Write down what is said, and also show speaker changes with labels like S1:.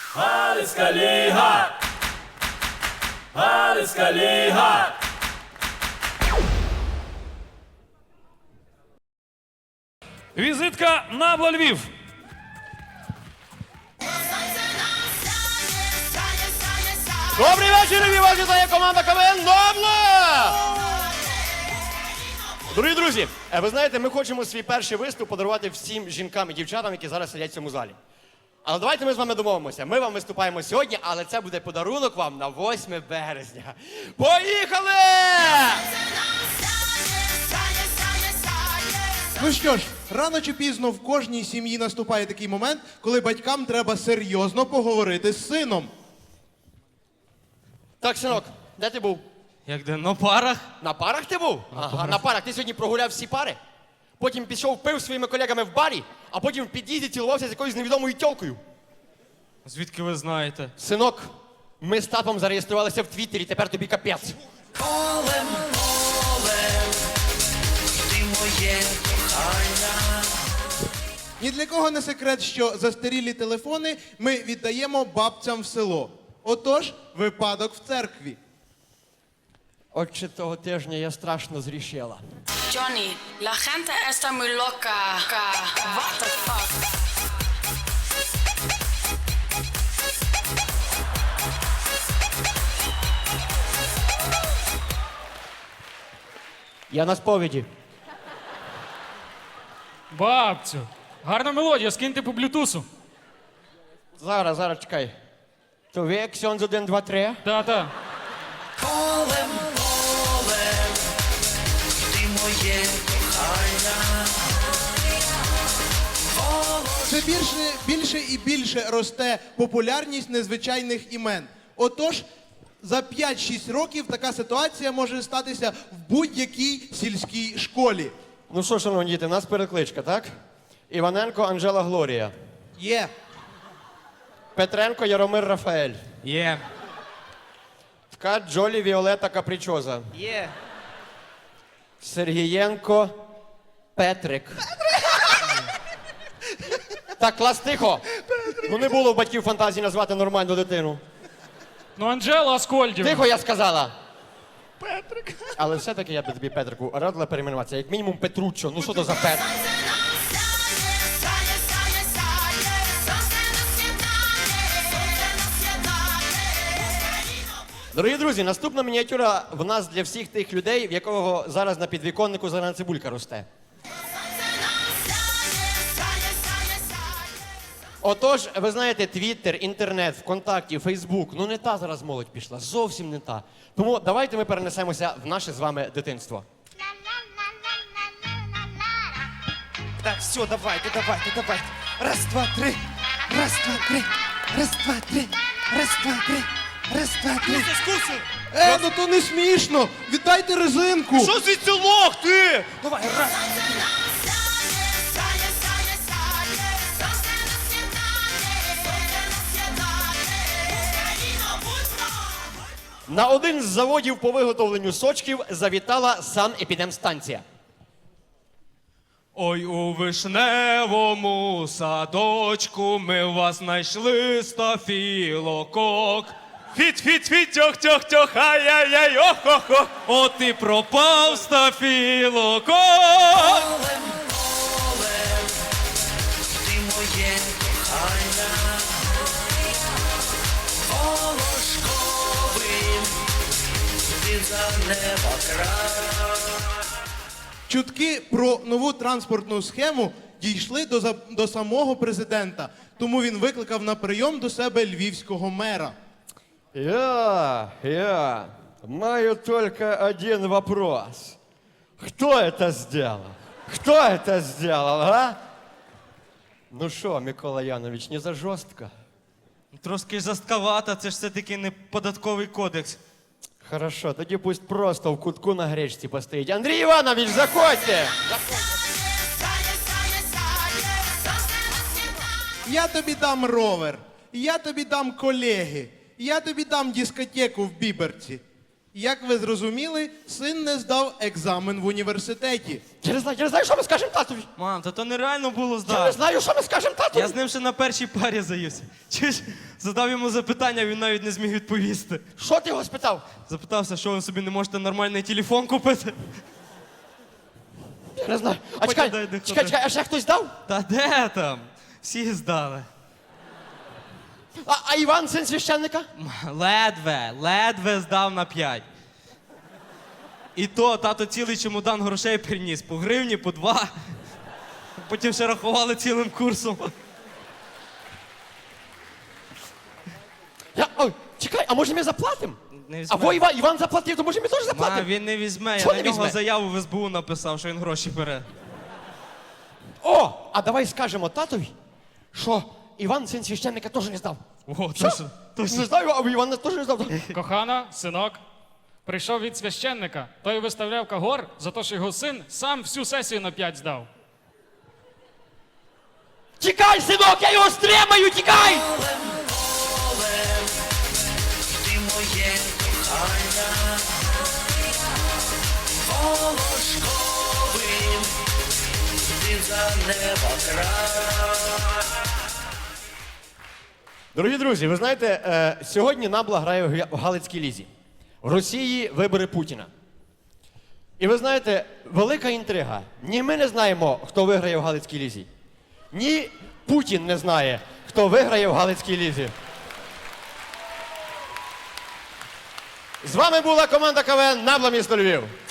S1: Галицька ліга! Галицька ліга!
S2: Візитка Набла Львів.
S3: Добрий вечір, Львів! Вас вітає команда КВН Набла! Дорогі друзі, ви знаєте, ми хочемо свій перший виступ подарувати всім жінкам і дівчатам, які зараз сидять в цьому залі. Але давайте ми з вами домовимося. Ми вам виступаємо сьогодні, але це буде подарунок вам на 8 березня. Поїхали!
S4: Ну що ж, рано чи пізно в кожній сім'ї наступає такий момент, коли батькам треба серйозно поговорити з сином.
S3: Так, синок, де ти був?
S2: Як де, на парах?
S3: На парах ти був? Ага, на парах. Ти сьогодні прогуляв всі пари? Потім пішов пив зі своїми колегами в барі, а потім в під'їзді цілувався з якоюсь невідомою тьолкою.
S2: Звідки ви знаєте?
S3: Синок, ми з татом зареєструвалися в Твіттері, тепер тобі капець.
S5: Полем, ти моє кохання.
S4: Ні для кого не секрет, що застарілі телефони ми віддаємо бабцям в село. Отож, випадок в церкві.
S3: Отже, того тижня я страшно зрішила.
S6: Johnny, la gente está muy loca. What the fuck?
S3: Я на сповіді.
S2: Бабцю. Гарна мелодія, скиньте по блютусу.
S3: Зараз, чекай. То ви, Ксьонз 1, 2, 3?
S2: Та-та.
S5: Полем, ти моє кохання.
S4: Все більше і більше росте популярність незвичайних імен. Отож, за 5-6 років така ситуація може статися в будь-якій сільській школі.
S3: Ну що, шановні діти, в нас перекличка, так? Іваненко Анжела Глорія.
S4: Є.
S3: Петренко Яромир Рафаель.
S2: Є.
S3: Ткач Джолі Віолета Капричоза.
S2: Є.
S3: Сергієнко Петрик. Так, клас, тихо. Ну не було в батьків фантазії назвати нормальну дитину.
S2: Ну, Анжела Аскольдів.
S3: Тихо, я сказала. Петрик. Але все-таки я б тобі, Петрику, радила перейменуватися. Як мінімум Петруччо. Ну що то за Петр? Дорогі друзі, наступна мініатюра в нас для всіх тих людей, в якого зараз на підвіконнику зелена цибулька росте. Отож, ви знаєте, Твіттер, інтернет, ВКонтакті, Фейсбук, ну не та зараз молодь пішла, зовсім не та. Тому давайте ми перенесемося в наше з вами дитинство.
S7: Так, все, давайте. Раз, два, три. Раз, два, три. Раз, два, три. Раз, два, три. Раз, два, три.
S4: Ну то не смішно! Віддайте резинку!
S7: Що звідси лох ти? Давай, раз.
S3: На один з заводів по виготовленню сочків завітала санепідемстанція.
S2: Ой, у вишневому садочку ми вас знайшли стафілокок. Фіт, тьох, ай-яй-яй, ох-ох-ох. От і пропав стафілокок.
S5: Полем, ти моє кохання. Волошковим, ти за неба край.
S4: Чутки про нову транспортну схему дійшли до самого президента, тому він викликав на прийом до себе львівського мера.
S3: Я маю только один вопрос. Кто это сделал? Кто это сделал, а? Ну що, Микола Янович, не за жорстко?
S2: Трошки жорстковато, це ж все-таки не податковий кодекс.
S3: Хорошо, тоді пусть просто в кутку на гречці постоїть. Андрій Іванович, заходьте!
S4: Я тобі дам ровер, я тобі дам колеги, я тобі дам дискотеку в Біберці. Як ви зрозуміли, син не здав екзамен в університеті.
S3: Я не знаю, що ми скажемо татові.
S2: Мам, та то нереально було
S3: Я не
S2: здати.
S3: знаю, що ми скажемо татові.
S2: Я з ним ще на першій парі заївся. Чуєш, задав йому запитання, він навіть не зміг відповісти.
S3: Що ти його спитав?
S2: Запитався, що ви собі не можете нормальний телефон купити.
S3: Я не знаю. А
S2: Потім
S3: чекай,
S2: дай де
S3: чекай,
S2: ходити.
S3: а ще хтось дав?
S2: Та де там? Всі здали.
S3: А Іван, син священника?
S2: Ледве здав на 5. І то тато цілий чемодан грошей приніс. По гривні, по 2. Потім ще рахували цілим курсом.
S3: Ой, чекай, а може ми заплатимо?
S2: Не
S3: А во Іван заплатив, то може ми теж заплатимо?
S2: Він не візьме,
S3: Чого
S2: я
S3: не
S2: на нього
S3: візьме?
S2: заяву в СБУ написав, що він гроші бере.
S3: О, а давай скажемо татові, що Іван, син священника, теж не здав.
S2: О,
S3: Що?
S2: точно.
S3: Не знаю, а Іван теж не здав.
S8: Кохана, синок, прийшов від священника. Той виставляв кагор за те, що його син сам всю сесію на 5 здав.
S3: Тікай, синок, я його стримаю, тікай!
S5: Ти моє кохання, волошковим, ти за неба край.
S3: Дорогі друзі, ви знаєте, сьогодні Набла грає в Галицькій лізі. В Росії вибори Путіна. І ви знаєте, велика інтрига. Ні ми не знаємо, хто виграє в Галицькій лізі. Ні Путін не знає, хто виграє в Галицькій лізі. З вами була команда КВН «Набла місто Львів».